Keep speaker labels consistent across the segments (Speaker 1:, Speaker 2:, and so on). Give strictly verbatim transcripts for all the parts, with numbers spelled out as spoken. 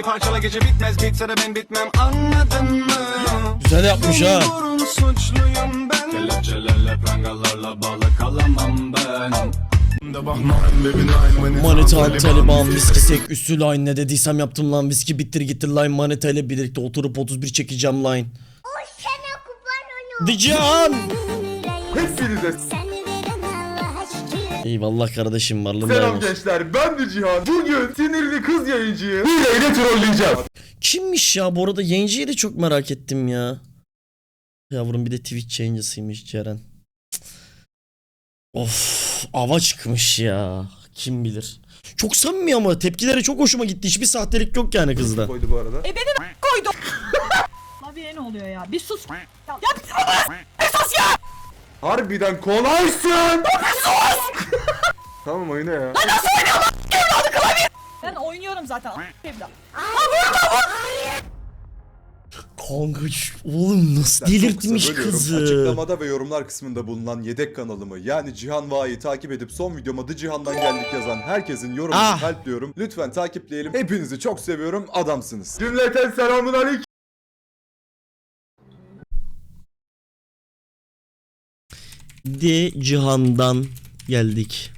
Speaker 1: parçala gece bitmez bitse de ben bitmem anladın mı?
Speaker 2: Güzel yapmış ha.
Speaker 1: Doğrunun suçluyum ben. Kelepçelerle prangalarla bağlı kalamam ben.
Speaker 2: Manita Taliban viski sek üstü line ne dediysem yaptım lan viski bittir gitti line manita ile birlikte oturup otuz bir çekeceğim line. Dican.
Speaker 3: Hepinize
Speaker 2: Eyvallah kardeşim varlığın
Speaker 3: selam
Speaker 2: daim olsun.
Speaker 3: gençler, ben de Cihan. Bugün sinirli kız yayıncıyı hileyle trolleyeceğim.
Speaker 2: Kimmiş ya bu arada yayıncıyı da çok merak ettim ya. Yavrum bir de Twitch yayıncısıymış Ceren. Of ava çıkmış ya. Kim bilir. Çok samimi ama tepkileri çok hoşuma gitti. Hiçbir sahtelik yok yani kızda.
Speaker 3: Koydu bu arada.
Speaker 4: E beni koydu. Abi ne oluyor ya? Bir sus. Ya, ya esas ya.
Speaker 3: Harbiden kolaysın. Tamam oyna ya.
Speaker 4: Ben oynuyorum zaten. Evlat.
Speaker 2: Kanka şu- oğlum nasıl delirtmiş kızı.
Speaker 5: Açıklamada ve yorumlar kısmında bulunan yedek kanalımı yani Cihan Va'yı takip edip son videoma The Cihan'dan geldik yazan herkesin yorumunu
Speaker 2: Ah.
Speaker 5: kalpliyorum. Lütfen takipleyelim. Hepinizi çok seviyorum. Adamsınız.
Speaker 3: Cümleten selamun aleyküm.
Speaker 2: De Cihan'dan geldik.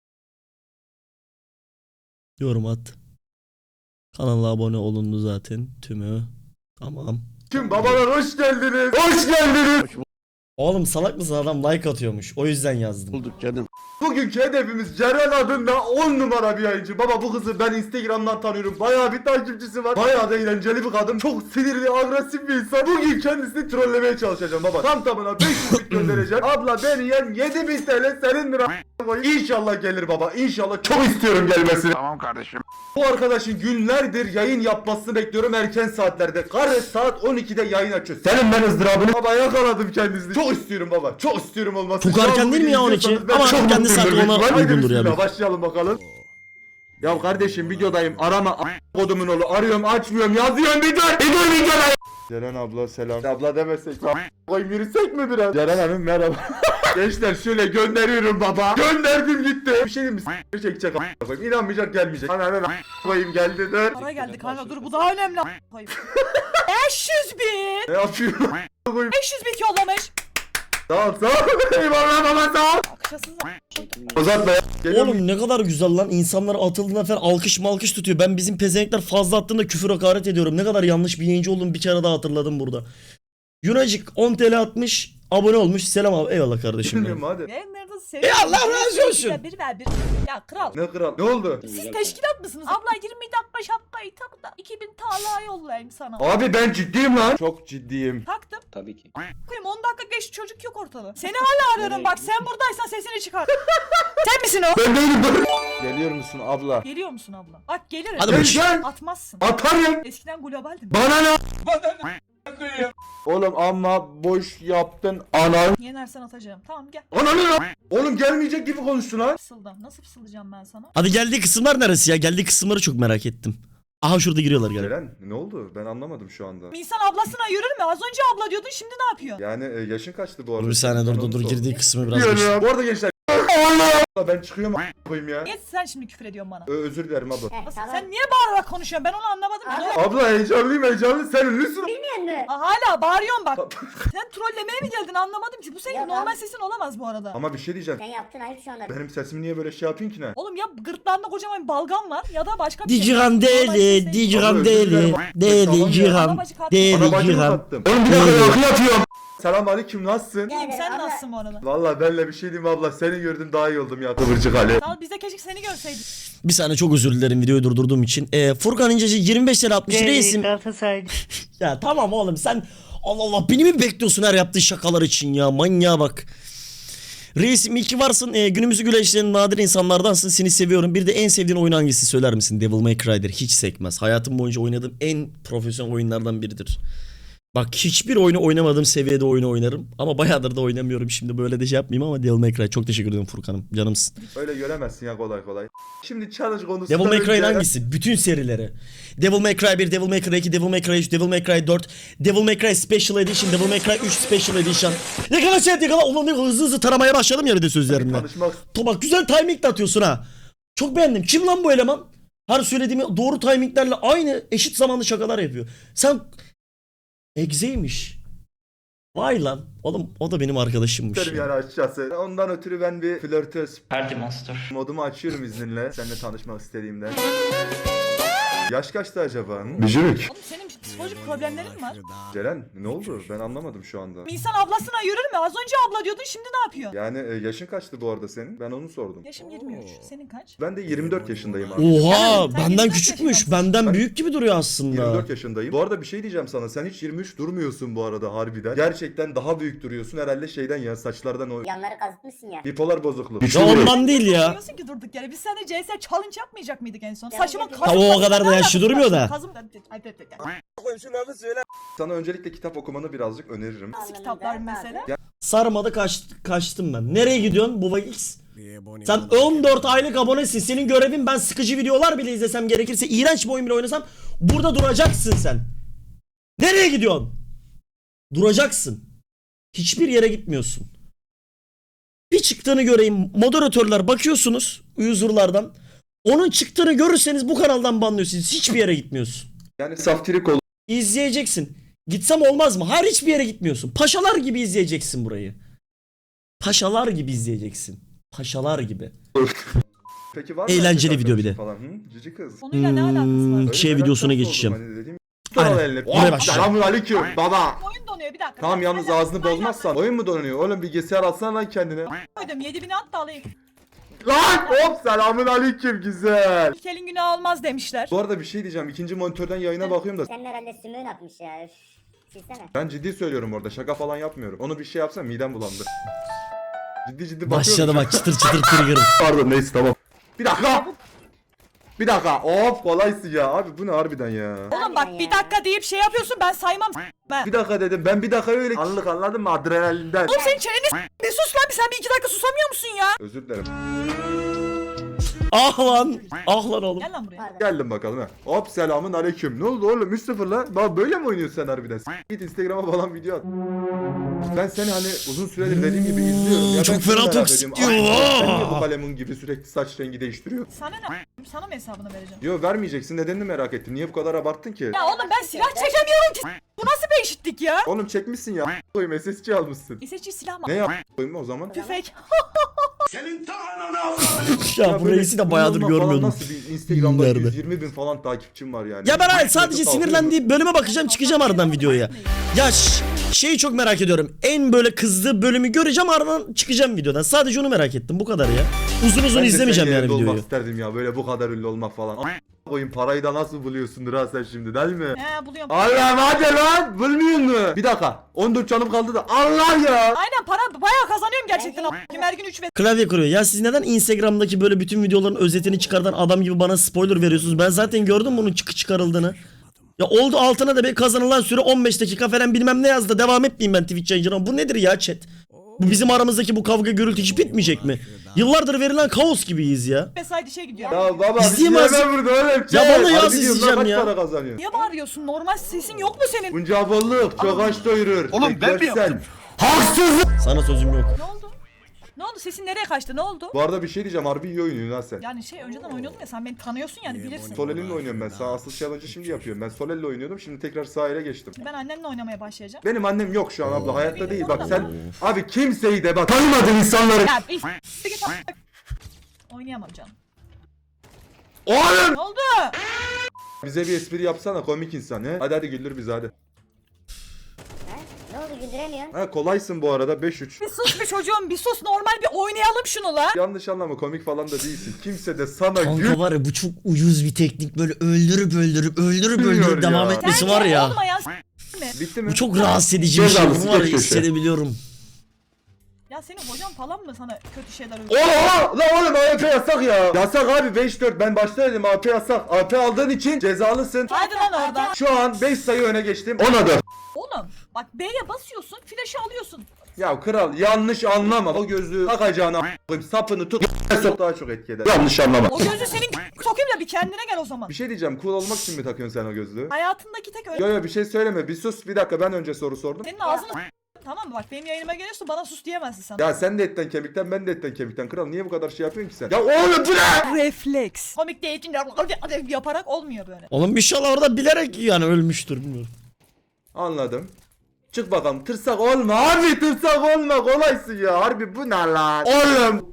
Speaker 2: Yorum at. Kanala abone olundu zaten tümü. Tamam.
Speaker 3: Tüm babalar hoş geldiniz. Hoş geldiniz.
Speaker 2: Oğlum salak mısın adam like atıyormuş. O yüzden yazdım.
Speaker 6: Bulduk canım.
Speaker 3: Bugünkü hedefimiz Ceren adında on numara bir yayıncı. Baba bu kızı ben Instagram'dan tanıyorum. Bayağı bir takipçisi var. Bayağı da eğlenceli bir kadın. Çok sinirli, agresif bir insan. Bugün kendisini trollemeye çalışacağım baba. Tam tamına beş yüz bit göndereceğim. Abla beni yen yedi bin T L senindir a**. İnşallah gelir baba. İnşallah çok istiyorum gelmesini.
Speaker 6: Tamam kardeşim.
Speaker 3: Bu arkadaşın günlerdir yayın yapmasını bekliyorum erken saatlerde. Karı saat on ikide yayın açıyor. Senin ben ızdırabını. Baba yakaladım kendisini. Çok istiyorum baba. Çok istiyorum olmasını.
Speaker 2: Çok erken değil mi ya on iki? Ama kendi saati ona uygundur ya.
Speaker 3: Bismillah, başlayalım bakalım. Ya kardeşim videodayım. Arama a** kodumun oğlu. Arıyorum açmıyorum. Yazıyorum bir dur. Bir dur bir dur. Ceren abla selam. Abla demesek. Koyayım yürüsek mi biraz? Ceren hanım merhaba. Gençler şöyle gönderiyorum baba. Gönderdim gitti. Bir şey diyeyim mi? S*** çekecek a** koyayım. İnanmayacak gelmeyecek. Ana ana koyayım geldi dur.
Speaker 4: Para geldi kanka dur bu daha önemli. Hayır. beş yüz bin.
Speaker 3: Ne yapıyorum? Koyayım.
Speaker 4: beş yüz bin yollamış.
Speaker 3: Sağ ol sağ ol. Eyvallah baba sağ ol.
Speaker 4: Akışasız.
Speaker 3: Uzatma ya. Geliyor mu?
Speaker 2: Oğlum ne kadar güzel lan. İnsanlar atıldığında falan alkış malkış tutuyor. Ben bizim pezevenkler fazla attığında küfür hakaret ediyorum. Ne kadar yanlış bir yayıncı olduğumu bir kere daha hatırladım burada. Yunacık on T L atmış. Abone olmuş. Selam abi. Eyvallah kardeşim benim.
Speaker 3: Bilmiyorum hadi.
Speaker 4: Ben nerede seviyorum.
Speaker 2: Ya Allah razı olsun.
Speaker 4: Bir ver bir. Ya kral.
Speaker 3: Ne kral? Ne oldu?
Speaker 4: Siz teşkilat mısınız? Abla yirmi dakika şapkayı tak da iki bin T L yollayayım sana.
Speaker 3: Abi ben ciddiyim lan. Çok ciddiyim.
Speaker 4: Taktım.
Speaker 6: Tabii ki.
Speaker 4: Koyayım on dakika geçti çocuk yok ortada. Seni hala arıyorum bak sen buradaysan sesini çıkar. Sen misin o?
Speaker 3: Ben değilim dur. Geliyor musun abla?
Speaker 4: Geliyor musun abla? Bak gelirim.
Speaker 2: Hadi
Speaker 3: Gel
Speaker 2: bakayım.
Speaker 3: gel.
Speaker 4: Atmazsın.
Speaker 3: Atarım.
Speaker 4: Eskiden globaldim.
Speaker 3: Bana ne? Oğlum amma boş yaptın. Ana.
Speaker 4: Yenersen atacağım. Tamam gel.
Speaker 3: Ananı ne? Oğlum gelmeyecek gibi konuştun ha.
Speaker 4: Fısıldan. Nasıl fısıldayacağım ben sana?
Speaker 2: Hadi geldiği kısımlar neresi ya? Geldiği kısımları çok merak ettim. Aha şurada giriyorlar galiba.
Speaker 3: Ceren ne oldu? Ben anlamadım şu anda.
Speaker 4: İnsan ablasına yürür mü? Az önce abla diyordun şimdi ne yapıyor?
Speaker 3: Yani e, yaşın kaçtı bu arada?
Speaker 2: Dur bir saniye dur dur dur
Speaker 3: Ananı
Speaker 2: girdiği
Speaker 3: sor.
Speaker 2: kısmı biraz geç.
Speaker 3: Bu arada gençler. Allah! Ben çıkıyorum a- koyayım ya.
Speaker 4: Niye sen şimdi küfür ediyorsun bana?
Speaker 3: Ö- özür dilerim abla.
Speaker 4: Nasıl- Sen niye bağırarak konuşuyorsun? Ben onu anlamadım ki. Ne-
Speaker 3: Abla heyecanlıyım heyecanlı. Sen ünlüsün.
Speaker 4: Aa, hala bağırıyorsun bak. Sen trollemeye mi geldin anlamadım ki. Bu senin
Speaker 7: Ya
Speaker 4: normal
Speaker 7: ben-
Speaker 4: sesin olamaz bu arada.
Speaker 3: Ama bir şey diyeceğim.
Speaker 7: Sen yaptın ayıp şu anda.
Speaker 3: Benim sesimi niye böyle şey yapayım ki ne?
Speaker 4: Oğlum ya gırtlağında kocaman bir balgam var ya da başka bir şey.
Speaker 2: Dijihan
Speaker 4: Normal
Speaker 2: deli,
Speaker 4: sesin-
Speaker 2: Dijihan
Speaker 3: Özür
Speaker 2: deli,
Speaker 3: dilerim.
Speaker 2: deli,
Speaker 3: Tamam ya.
Speaker 2: Cihan,
Speaker 4: Ana bacı kalk.
Speaker 3: Ana
Speaker 2: deli,
Speaker 3: bacımı
Speaker 2: Cihan.
Speaker 3: sattım. Oğlum bir dakika
Speaker 2: Deli.
Speaker 3: yakı yapıyorum. Selam aleyküm nasılsın?
Speaker 4: İyiyim sen
Speaker 7: Abla-
Speaker 4: nasılsın bu arada?
Speaker 3: Valla benle bir şey diyeyim abla. Seni gördüm daha iyi oldum ya. Kıvırcık Ali.
Speaker 4: Sağ ol, biz de keşke seni görseydik.
Speaker 2: Bir saniye çok özür dilerim videoyu durdurduğum için. Ee, Furkan İnceci yirmi beş lira atmış reisim. Ya tamam oğlum sen Allah Allah beni mi bekliyorsun her yaptığın şakalar için ya manyağa bak. Reisim iyi ki varsın. Ee, günümüzü güleştiren nadir insanlardansın. Seni seviyorum. Bir de en sevdiğin oyun hangisi söyler misin? Devil May Cry'dir. Hiç sekmez. Hayatım boyunca oynadığım en profesyonel oyunlardan biridir. Bak hiçbir oyunu oynamadığım seviyede oyunu oynarım. Ama bayağıdır da oynamıyorum. Şimdi böyle de şey yapmayayım ama Devil May Cry. Çok teşekkür ederim Furkan'ım. Canımsın.
Speaker 3: Öyle göremezsin ya kolay kolay. Şimdi challenge konusu.
Speaker 2: Devil May Cry'ın hangisi? Bütün serileri. Devil May Cry bir, Devil May Cry iki, Devil May Cry üç, Devil May Cry dört, Devil May Cry Special Edition, Devil May Cry üç Special Edition. Yakala chat yakala. Ulan ne hızlı hızlı taramaya başladım ya bir de sözlerimle.
Speaker 3: Konuşmak.
Speaker 2: Bak güzel timing de atıyorsun ha. Çok beğendim. Kim lan bu eleman? Her söylediğimi doğru timinglerle aynı eşit zamanlı şakalar yapıyor. Sen egzeymiş. Vay lan. Oğlum o da benim arkadaşımmış.
Speaker 3: İsterim yani açıkçası. Ondan ötürü ben bir flörtöz
Speaker 6: Party Monster.
Speaker 3: modumu açıyorum izninle. Seninle tanışmak istediğimde. Yaş kaçtı acaba? Hı? Bücürük.
Speaker 4: Oğlum senin psikolojik problemlerin mi var?
Speaker 3: Ceren ne oldu? Ben anlamadım şu anda.
Speaker 4: İnsan ablasına yürür mü? Az önce abla diyordun, şimdi ne yapıyorsun?
Speaker 3: Yani e, yaşın kaçtı bu arada senin? Ben onu sordum.
Speaker 4: Yaşım yirmi üç. Senin kaç?
Speaker 3: Ben de yirmi dört yaşındayım abi.
Speaker 2: Oha
Speaker 4: Sen
Speaker 2: benden
Speaker 4: yirmi dört
Speaker 2: küçükmüş.
Speaker 4: yaşındasın.
Speaker 2: Benden
Speaker 3: Ben-
Speaker 2: büyük gibi duruyor aslında.
Speaker 3: yirmi dört yaşındayım. Bu arada bir şey diyeceğim sana. Sen hiç yirmi üç durmuyorsun bu arada harbiden. Gerçekten daha büyük duruyorsun. Herhalde şeyden ya saçlardan o
Speaker 7: Yanları kazıtmışsın ya.
Speaker 3: bipolar bozukluk.
Speaker 2: Ya ondan değil ya.
Speaker 4: Diyorsun ki durduk yere. Biz seninle C S challenge yapmayacak mıydık en son?
Speaker 7: Ya,
Speaker 4: Saçıma
Speaker 7: ya,
Speaker 4: kazım.
Speaker 2: ya, o kadar da yaşlı durmuyor da.
Speaker 4: Kazım.
Speaker 3: Sana öncelikle kitap okumanı birazcık öneririm.
Speaker 4: Nasıl kitaplar mesela?
Speaker 2: Sarmadı kaç, kaçtım ben. Nereye gidiyorsun Baba X? Sen on dört aylık abonesin. Senin görevin ben sıkıcı videolar bile izlesem gerekirse iğrenç bir oyun bile oynasam burada duracaksın sen. Nereye gidiyorsun? Duracaksın. Hiçbir yere gitmiyorsun. Bir çıktığını göreyim. Moderatörler bakıyorsunuz user'lardan. Onun çıktığını görürseniz bu kanaldan banlıyorsunuz. Hiçbir yere gitmiyorsun.
Speaker 3: Yani saftirik ol.
Speaker 2: İzleyeceksin. Gitsem olmaz mı? Hayır hiçbir yere gitmiyorsun. Paşalar gibi izleyeceksin burayı. Paşalar gibi izleyeceksin. Paşalar gibi.
Speaker 3: Peki var mı
Speaker 2: Eğlenceli
Speaker 3: erkek
Speaker 2: video bir de.
Speaker 3: arkadaşın Falan? Hı? Cici kız.
Speaker 4: Konuyla ne alakası var?
Speaker 2: Hmm,
Speaker 3: Öyle
Speaker 2: şey
Speaker 3: merak
Speaker 2: videosuna
Speaker 3: konusu
Speaker 2: geçeceğim.
Speaker 3: oldum hani dediğim.
Speaker 2: Aynen.
Speaker 3: Al eline.
Speaker 2: Oraya başlayalım.
Speaker 3: Selamünaleyküm baba.
Speaker 4: Oyun donuyor bir dakika.
Speaker 3: Tamam yalnız
Speaker 4: Hala-
Speaker 3: ağzını
Speaker 4: hala-
Speaker 3: bozmazsan. Oyun mu donuyor? Oğlum bilgisayar alsana lan kendine.
Speaker 4: Koydum yedi bini at da alayım.
Speaker 3: Lan hop selamünaleyküm güzel.
Speaker 4: İlk elin günah olmaz demişler.
Speaker 3: Bu arada bir şey diyeceğim. İkinci monitörden yayına bakıyorum da.
Speaker 7: Senin herhalde sümüğün atmış ya. Üf. Silsene.
Speaker 3: Ben ciddi söylüyorum orada. Şaka falan yapmıyorum. Onu bir şey yapsam midem bulandı. Ciddi ciddi bakıyorum.
Speaker 2: Başladı bak çıtır çıtır trigger.
Speaker 3: Pardon neyse tamam. Bir dakika. Bir dakika. Of kolaysın ya. Abi bu ne harbiden ya.
Speaker 4: Oğlum bak bir dakika deyip şey yapıyorsun, ben saymam ben.
Speaker 3: Bir dakika dedim. Ben bir dakika öyle anlık anladın mı? Adrenalinden.
Speaker 4: Oğlum senin çeneni s- bir sus lan, bir sen bir iki dakika susamıyor musun ya?
Speaker 3: Özür dilerim.
Speaker 2: Ah lan. Ah lan oğlum.
Speaker 4: Gel lan buraya.
Speaker 7: Pardon.
Speaker 3: Geldim bakalım ha. Hop selamun aleyküm. Ne oldu oğlum üç sıfır lan? Bak böyle mi oynuyorsun sen harbiden? S- Git Instagram'a falan video at. Ben seni hani uzun süredir dediğim gibi izliyorum. Ya ben
Speaker 2: çok
Speaker 3: şunu
Speaker 2: fena
Speaker 3: merak
Speaker 2: toksik
Speaker 3: ediyorum.
Speaker 2: diyor.
Speaker 3: Ay, Sen niye bu kalemun gibi sürekli saç rengi değiştiriyor?
Speaker 4: Sana ne? Sana mı hesabını vereceğim?
Speaker 3: Yo vermeyeceksin nedenini merak ettim. Niye bu kadar abarttın ki?
Speaker 4: Ya oğlum ben silah çekemiyorum ki. Bu nasıl bir eşitlik ya?
Speaker 3: Oğlum çekmişsin ya. Koyayım S S C almışsın.
Speaker 4: S S G silah mı?
Speaker 3: Ne yap koyayım o zaman?
Speaker 4: Tüfek.
Speaker 2: Ya bu
Speaker 3: böyle
Speaker 2: reisi de bayağıdır
Speaker 3: kullanma falan
Speaker 2: görmüyordum.
Speaker 3: Nasıl bir Instagram'da
Speaker 2: Nerede?
Speaker 3: yüz yirmi bin falan takipçim var yani.
Speaker 2: Ya ben hayır
Speaker 3: Hiç
Speaker 2: sadece
Speaker 3: nefes almıyorum.
Speaker 2: sinirlendiği bölüme bakacağım çıkacağım aradan videoya. Ya ş- şeyi çok merak ediyorum. En böyle kızdığı bölümü göreceğim aradan çıkacağım videodan. Sadece onu merak ettim bu kadar ya. Uzun uzun
Speaker 3: Ben de
Speaker 2: izlemeyeceğim
Speaker 3: senin
Speaker 2: yani
Speaker 3: yerinde olmak
Speaker 2: videoyu.
Speaker 3: isterdim ya böyle bu kadar ünlü olmak falan. A- koyun parayı da nasıl buluyorsundur ha sen şimdi değil mi?
Speaker 4: He buluyorum.
Speaker 3: Allah'ım hadi lan bulmuyor mu? Bir dakika on dört canım kaldı da Allah ya.
Speaker 4: Aynen para bayağı kazanıyorum gerçekten. a**ayım. Her gün üç ve
Speaker 2: Klavye kuruyor. Ya siz neden Instagram'daki böyle bütün videoların özetini çıkartan adam gibi bana spoiler veriyorsunuz? Ben zaten gördüm bunun çıkı çıkarıldığını. Ya oldu altına da bir kazanılan süre on beş dakika falan bilmem ne yazdı. Devam etmeyeyim ben Twitch yayıncına. Bu nedir ya chat? Bu bizim aramızdaki bu kavga gürültü hiç bitmeyecek mi? Yıllardır verilen kaos gibiyiz ya.
Speaker 4: mesai işe gidiyor.
Speaker 3: Ya baba
Speaker 2: İzleyeyim
Speaker 3: bir
Speaker 2: azıcık.
Speaker 3: şey burada oğlum.
Speaker 2: Ya vallahi
Speaker 3: Harbi
Speaker 2: az
Speaker 3: diyorum lan,
Speaker 2: izleyeceğim
Speaker 3: kaç
Speaker 2: ya.
Speaker 3: para kazanıyorsun?
Speaker 4: Niye bağırıyorsun? Normal sesin yok mu senin?
Speaker 3: Bunca bolluk çok aç doyurur. Oğlum ben mi yaptım?
Speaker 2: Sana sözüm yok.
Speaker 4: Ne oldu? Ne oldu? Sesin nereye kaçtı? Ne oldu?
Speaker 3: Bu arada bir şey diyeceğim harbi iyi oynuyorsun lan sen.
Speaker 4: Yani şey önceden oynuyordun ya, sen beni tanıyorsun yani bilirsin.
Speaker 3: Solelin'le oynuyorum ben. Sağ asıl challenge'ı şimdi yapıyorum. Ben Solel'le oynuyordum. Şimdi tekrar sahile geçtim.
Speaker 4: Ben annenle oynamaya başlayacağım.
Speaker 3: Benim annem yok şu an abla. Hayatta değil. Bak sen abi kimseyi de bak tanımadığın insanları.
Speaker 4: Ya bir s- git a- Oynayamam canım.
Speaker 3: Oğlum!
Speaker 4: Ne oldu?
Speaker 3: Bize bir espri yapsana komik insan he. Hadi hadi güldür bizi hadi.
Speaker 7: Ha? Ne oldu güldüremiyorsun?
Speaker 3: Ha kolaysın bu arada beş üç.
Speaker 4: Bir sus bir çocuğum, bir sus, normal bir oynayalım şunu la.
Speaker 3: Yanlış anlama komik falan da değilsin. Kimse de sana
Speaker 2: Kanka
Speaker 3: gül
Speaker 2: var ya bu çok ucuz bir teknik. Böyle öldürüp öldürüp öldürüp
Speaker 3: Bilmiyor
Speaker 2: öldürüp
Speaker 3: ya.
Speaker 2: devam etmesi
Speaker 4: Bence
Speaker 2: var ya.
Speaker 4: olmayan s- mi?
Speaker 3: bitti mi?
Speaker 2: Bu çok rahatsız edici bir şey.
Speaker 3: Cezalısı,
Speaker 2: Bunu var ya
Speaker 3: geç köşe.
Speaker 2: hissedebiliyorum.
Speaker 4: Ya senin hocan falan mı sana kötü şeyler öğretiyor?
Speaker 3: Oha! Lan oğlum A P yasak ya. Yasak abi beş dört. Ben başta dedim A P yasak. A P aldığın için cezalısın.
Speaker 4: Hadi lan oradan.
Speaker 3: Şu an beş sayı öne geçtim. Ona da.
Speaker 4: Oğlum bak B'ye basıyorsun, flaşı alıyorsun.
Speaker 3: Ya kral yanlış anlama. O gözlüğü takacağına a**ayım, sapını tut. Sok daha çok etki eder. Yanlış anlama.
Speaker 4: O gözü senin sokayım da bir kendine gel o zaman.
Speaker 3: Bir şey diyeceğim. Cool olmak için mi takıyorsun sen o gözlüğü?
Speaker 4: Hayatındaki tek öyle.
Speaker 3: Yo yo bir şey söyleme. Bir sus bir dakika ben önce soru sordum.
Speaker 4: Senin ağzını s- tamam mı? Bak benim yayınıma geliyorsun bana sus diyemezsin sen.
Speaker 3: Ya sen de etten kemikten, ben de etten kemikten. Kral niye bu kadar şey yapıyorsun ki sen? Ya oğlum bu ne?
Speaker 4: Refleks. Komik değil yaparak olmuyor böyle.
Speaker 2: Oğlum inşallah orada bilerek yani ölmüştür bilmiyorum.
Speaker 3: Anladım. Çık bakalım, tırsak olma harbi, tırsak olma, kolaysın ya harbi, bu ne lan? Oğlum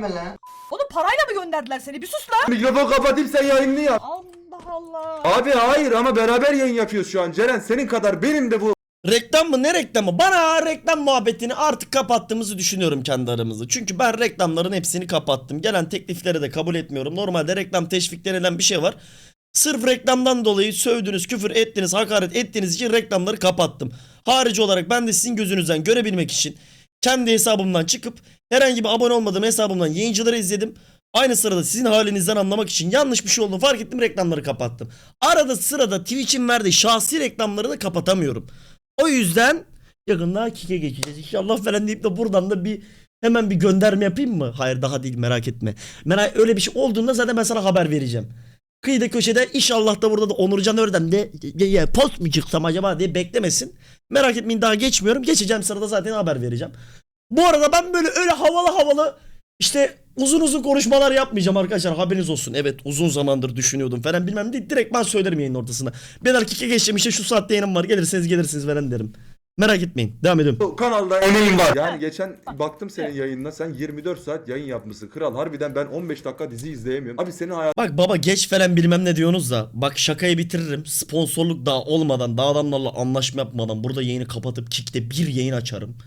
Speaker 4: Oğlum parayla mı gönderdiler seni? Bir sus lan.
Speaker 3: mikrofon kapatayım, sen yayını yap.
Speaker 4: Allah Allah.
Speaker 3: Abi hayır, ama beraber yayın yapıyoruz şu an Ceren, senin kadar benim de bu.
Speaker 2: Reklam mı ne reklamı? Bana reklam muhabbetini artık kapattığımızı düşünüyorum kendi aramızda. Çünkü ben reklamların hepsini kapattım. Gelen teklifleri de kabul etmiyorum. Normalde reklam teşvik denilen bir şey var. Sırf reklamdan dolayı sövdünüz, küfür ettiniz, hakaret ettiğiniz için reklamları kapattım. Harici olarak ben de sizin gözünüzden görebilmek için kendi hesabımdan çıkıp herhangi bir abone olmadığım hesabımdan yayıncıları izledim. Aynı sırada sizin halinizden anlamak için yanlış bir şey olduğunu fark ettim, reklamları kapattım. Arada sırada Twitch'in verdiği şahsi reklamları da kapatamıyorum. O yüzden yakında Kik'e geçeceğiz. İnşallah falan deyip de buradan da bir hemen bir gönderme yapayım mı? Hayır daha değil, merak etme. Merak, öyle bir şey olduğunda zaten ben sana haber vereceğim. Kıyıda köşede inşallah da burada da Onurcan Örden de ya, ya, post mu çıksam acaba diye beklemesin. Merak etmeyin, daha geçmiyorum. Geçeceğim sırada zaten haber vereceğim. Bu arada ben böyle öyle havalı havalı işte uzun uzun konuşmalar yapmayacağım arkadaşlar, haberiniz olsun. Evet uzun zamandır düşünüyordum falan bilmem ne, direkt ben söylerim yayının ortasında. Ben erkeke geçeceğim işte, şu saatte yayınım var, gelirseniz gelirsiniz falan derim. Merak etmeyin, devam ediyorum.
Speaker 3: Bu kanalda emeğim var. Yani geçen baktım senin yayınına, sen yirmi dört saat yayın yapmışsın kral. Harbiden ben on beş dakika dizi izleyemiyorum. Abi senin hayatın
Speaker 2: Bak baba geç falan bilmem ne diyorsunuz da bak şakayı bitiririm. Sponsorluk daha olmadan, daha adamlarla anlaşma yapmadan burada yayını kapatıp Kick'te bir yayın açarım.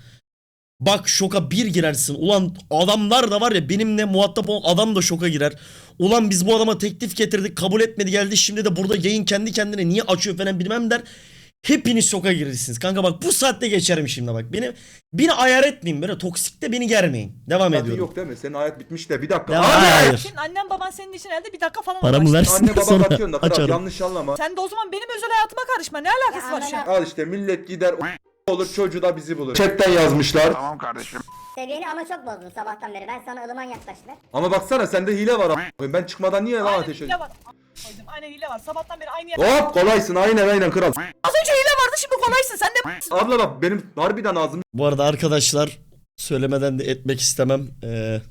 Speaker 2: Bak şoka bir girersin. Ulan adamlar da var ya, benimle muhatap olan adam da şoka girer. Ulan biz bu adama teklif getirdik, kabul etmedi, geldi şimdi de burada yayın kendi kendine niye açıyor falan bilmem der. Hepiniz şoka girirsiniz. Kanka bak bu saatte geçerim şimdi bak. Beni beni ayar etmeyin, böyle toksikte beni germeyin. Devam ediyorum.
Speaker 3: yok değil mi? Senin hayat bitmiş de bir dakika.
Speaker 2: Devam-
Speaker 3: Abi!
Speaker 2: Hayır.
Speaker 4: Senin annen baban senin için herhalde bir dakika falan
Speaker 2: Paramı
Speaker 4: uğraştı.
Speaker 2: versin
Speaker 3: Anne baba
Speaker 2: sonra
Speaker 3: bakıyorsun da kral,
Speaker 2: açarım.
Speaker 3: yanlış anlama.
Speaker 4: Sen de o zaman benim özel hayatıma karışma. Ne alakası var şu an?
Speaker 3: Al işte millet gider olur, çocuğu da bizi bulur. Chatten yazmışlar.
Speaker 7: Seviyeni ama çok bozdun sabahtan beri. Ben sana ılıman yaklaştılar.
Speaker 3: Ama baksana sende hile var. a**. Ben çıkmadan niye lan
Speaker 4: Aynen
Speaker 3: ateş
Speaker 4: hile
Speaker 3: ediyorsun?
Speaker 4: var. Koydum. Aynen hile var. Sabahtan beri aynı yer.
Speaker 3: Hop kolaysın, aynen aynen kral.
Speaker 4: Az önce hile vardı şimdi kolaysın. Sen de
Speaker 3: Abla bak benim harbiden ağzım
Speaker 2: Bu arada arkadaşlar söylemeden de etmek istemem. Ee,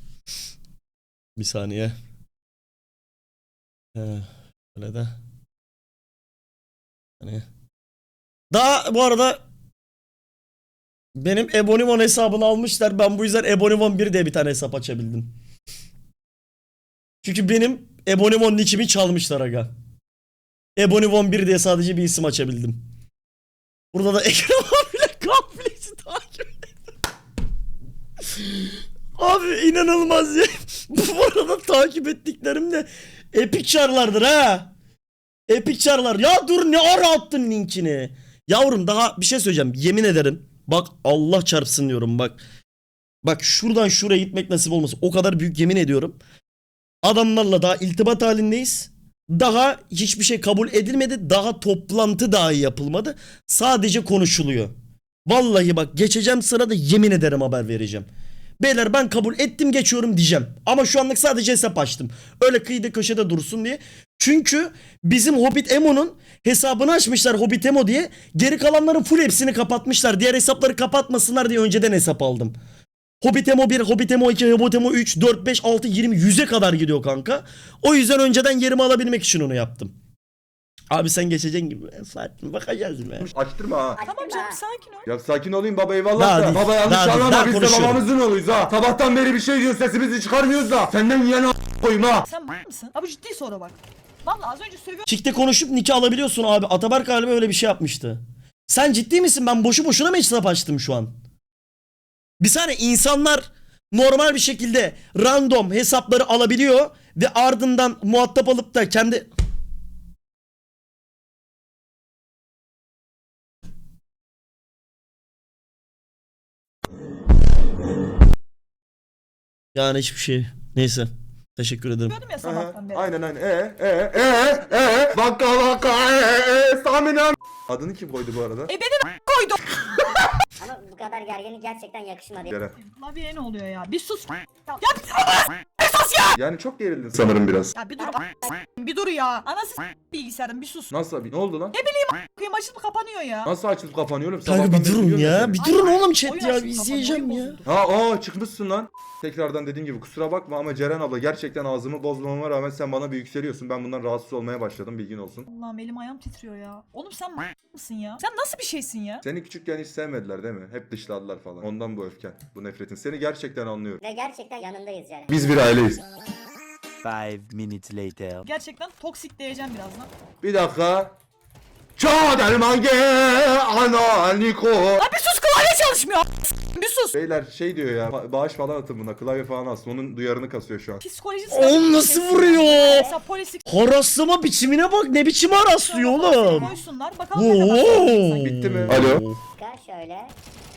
Speaker 2: bir saniye. Ee, öyle de. Hani. Daha bu arada benim Ebonimon hesabını almışlar. Ben bu yüzden Ebonimon bir diye bir tane hesap açabildim. Çünkü benim Ebonimon nickimi çalmışlar aga. Ebonimon bir diye sadece bir isim açabildim. Burada da Ekrem abiyle Gambles'i takip ettim. Abi inanılmaz ya. Bu arada takip ettiklerim de epic çarlardır ha. Epic çarlar. Ya dur ne ara attın linkini. Yavrum daha bir şey söyleyeceğim. Yemin ederim. Bak Allah çarpsın diyorum bak. Bak şuradan şuraya gitmek nasip olmasın. O kadar büyük yemin ediyorum. Adamlarla daha iltibat halindeyiz. Daha hiçbir şey kabul edilmedi. Daha toplantı dahi yapılmadı. Sadece konuşuluyor. Vallahi bak geçeceğim sırada yemin ederim haber vereceğim. Beyler ben kabul ettim geçiyorum diyeceğim. Ama şu anlık sadece hesap açtım. Öyle kıyıda köşede dursun diye. Çünkü bizim Hobbit Emo'nun hesabını açmışlar Hobbit Emo diye. Geri kalanların full hepsini kapatmışlar. Diğer hesapları kapatmasınlar diye önceden hesap aldım. Hobbit Emo bir, Hobbit Emo iki, Hobbit Emo üç, dört, beş, altı, yirmi, yüze kadar gidiyor kanka. O yüzden önceden yerimi alabilmek için onu yaptım. Abi sen geçeceksin gibi. Fatih bakacağız be.
Speaker 3: açtırma ha.
Speaker 4: Tamam canım sakin ol.
Speaker 3: Ya sakin olayım baba, eyvallah
Speaker 2: Daha
Speaker 3: da.
Speaker 2: değil,
Speaker 3: Baba yanlış
Speaker 2: daha değil,
Speaker 3: anlama,
Speaker 2: daha
Speaker 3: biz de
Speaker 2: konuşuyorum.
Speaker 3: babamızın oğluyuz ha. Sabahtan beri bir şey diyoruz, sesimizi çıkarmıyoruz da. Senden yiyen a** koyayım ha.
Speaker 4: Sen m- mısın? Abi ciddi soru bak. Vallahi az önce sövüyorum.
Speaker 2: Çikte konuşup nikah alabiliyorsun abi. Ataberk galiba öyle bir şey yapmıştı. Sen ciddi misin? Ben boşu boşuna mı hesap açtım şu an? Bir saniye, insanlar normal bir şekilde random hesapları alabiliyor ve ardından muhatap alıp da kendi... Yani hiçbir şey. Neyse. Teşekkür ederim.
Speaker 4: Sövüyordum ya
Speaker 3: Aha,
Speaker 4: sabahtan beri.
Speaker 3: aynen aynen. E e e e e bakka bakka e e e stamina. Adını kim koydu bu arada?
Speaker 4: E beni de koydu.
Speaker 7: Ama bu kadar gerginlik gerçekten yakışmadı.
Speaker 3: Ceren.
Speaker 4: Klavye ne oluyor ya? Bir sus. Ya, ya bir sus. bas ya.
Speaker 3: Yani çok gerildin sanırım biraz.
Speaker 4: Ya bir dur bir dur ya. Anası s- bilgisayarın bir sus.
Speaker 3: Nasıl abi? Ne oldu lan?
Speaker 4: Kıyım açılıp kapanıyor ya.
Speaker 3: Nasıl açılıp kapanıyor oğlum?
Speaker 2: Kanka
Speaker 3: Sabahtan
Speaker 2: bir
Speaker 3: beri
Speaker 2: durun
Speaker 3: biliyorum
Speaker 2: ya.
Speaker 3: seni.
Speaker 2: Bir durun oğlum chat
Speaker 4: Oyun
Speaker 2: ya.
Speaker 4: açılıp
Speaker 2: Bir
Speaker 4: kapanıyor,
Speaker 2: izleyeceğim
Speaker 4: oyun
Speaker 2: ya.
Speaker 4: bozuldu.
Speaker 3: Ha aa çıkmışsın lan. Tekrardan dediğim gibi kusura bakma ama Ceren abla gerçekten ağzımı bozmama rağmen sen bana bir yükseliyorsun. Ben bundan rahatsız olmaya başladım, bilgin olsun.
Speaker 4: Allah'ım elim ayağım titriyor ya. Oğlum sen m- mısın ya? Sen nasıl bir şeysin ya?
Speaker 3: Seni küçükken hiç sevmediler değil mi? Hep dışladılar falan. Ondan bu öfken, bu nefretin. Seni gerçekten anlıyorum.
Speaker 7: Ve gerçekten yanındayız Ceren.
Speaker 3: Biz bir aileyiz.
Speaker 6: Five minutes later.
Speaker 4: Gerçekten toksik diyeceğim birazdan.
Speaker 3: Bir dakika. Çadermange analiko.
Speaker 4: Lan bir sus klavye çalışmıyor. Bir sus.
Speaker 3: Beyler şey diyor ya, ba- bağış falan atın buna, klavye falan atsın. Onun duyarını kasıyor şu an.
Speaker 4: Psikolojisi
Speaker 2: Oğlum nasıl vuruyor?
Speaker 4: Mesela polislik
Speaker 2: Haraslama biçimine bak, ne biçim haraslıyor oğlum.
Speaker 4: koysunlar. Bakalım ne kadar
Speaker 2: Oo.
Speaker 4: sonra
Speaker 3: Bitti mi? Alo.
Speaker 7: Çıkar şöyle.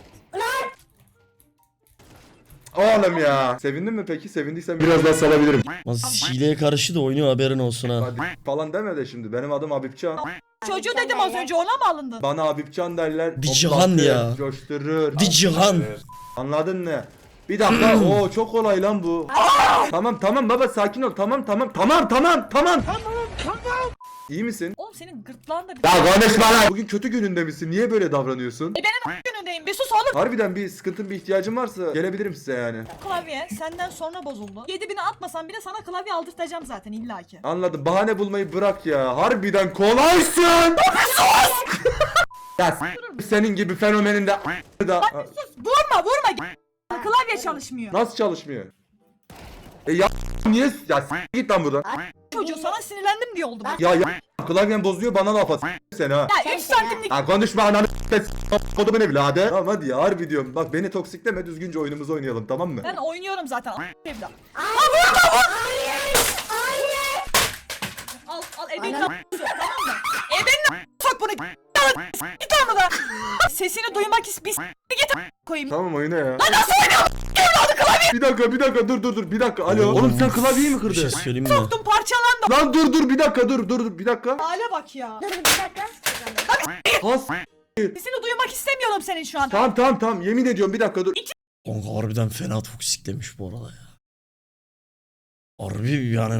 Speaker 3: Oğlum ya. Sevindin mi peki? Sevindiysen biraz daha salabilirim.
Speaker 2: Nasıl hileye karşı da oynuyor, haberin olsun ha.
Speaker 3: Hadi falan deme de şimdi. Benim adım Habibcan.
Speaker 4: Çocuğu dedim az önce, ona mı alındın?
Speaker 3: Bana Habibcan derler.
Speaker 2: Bir
Speaker 3: hoplatır,
Speaker 2: cihan ya.
Speaker 3: Coşturur.
Speaker 2: Bir cihan.
Speaker 3: Anladın mı? Bir dakika. Oo çok kolay lan bu. Tamam tamam baba sakin ol. Tamam tamam tamam tamam tamam. İyi misin?
Speaker 4: Oğlum senin gırtlağın da bir...
Speaker 3: Ya konuşma lan. Bugün kötü gününde misin? Niye böyle davranıyorsun?
Speaker 4: E benim günündeyim. Bir sus oğlum.
Speaker 3: Harbiden bir sıkıntın, bir ihtiyacın varsa gelebilirim size yani.
Speaker 4: Klavye senden sonra bozuldu. yedi bini atmasan bile sana klavye aldırtacağım zaten illaki.
Speaker 3: Anladım. Bahane bulmayı bırak ya. Harbiden kolaysın. Ya s- senin gibi fenomenin de da
Speaker 4: Sus vurma vurma. Klavye çalışmıyor.
Speaker 3: nasıl çalışmıyor? E ya niye ya s- git lan buradan.
Speaker 4: Çocuğu sana sinirlendim diye oldu bak.
Speaker 3: Ya ya klavyen bozuyor bana laf at s- seni ha.
Speaker 4: Ya üç santimlik
Speaker 3: Ya konuşma ananı s- kodumun evladı. Tamam hadi ya harbi diyorum. Bak beni toksikleme, düzgünce oyunumuzu oynayalım tamam mı?
Speaker 4: ben oynuyorum zaten. Evlat. Al al ebenin
Speaker 7: Ana-
Speaker 4: a- tamam mı? Ebenin a- sok bunu. Git onu da. Sesini duymak is bis git a- koyayım.
Speaker 3: Tamam oyna ya. Lan nasıl oynuyorsun? Bir dakika bir dakika dur dur dur bir dakika alo. Oğlum sen klavyeyi mi
Speaker 2: Bir şey
Speaker 3: kırdın?
Speaker 2: söyleyeyim mi?
Speaker 4: Soktum parçalandı.
Speaker 3: Lan dur dur bir dakika dur dur dur bir dakika.
Speaker 4: Hale bak ya.
Speaker 7: Dur bir dakika.
Speaker 3: Has.
Speaker 4: Sesini duymak istemiyorum senin şu an.
Speaker 3: Tamam tamam tamam yemin ediyorum bir dakika dur.
Speaker 2: Kanka harbiden fena toksiklemiş bu arada ya. Harbi yani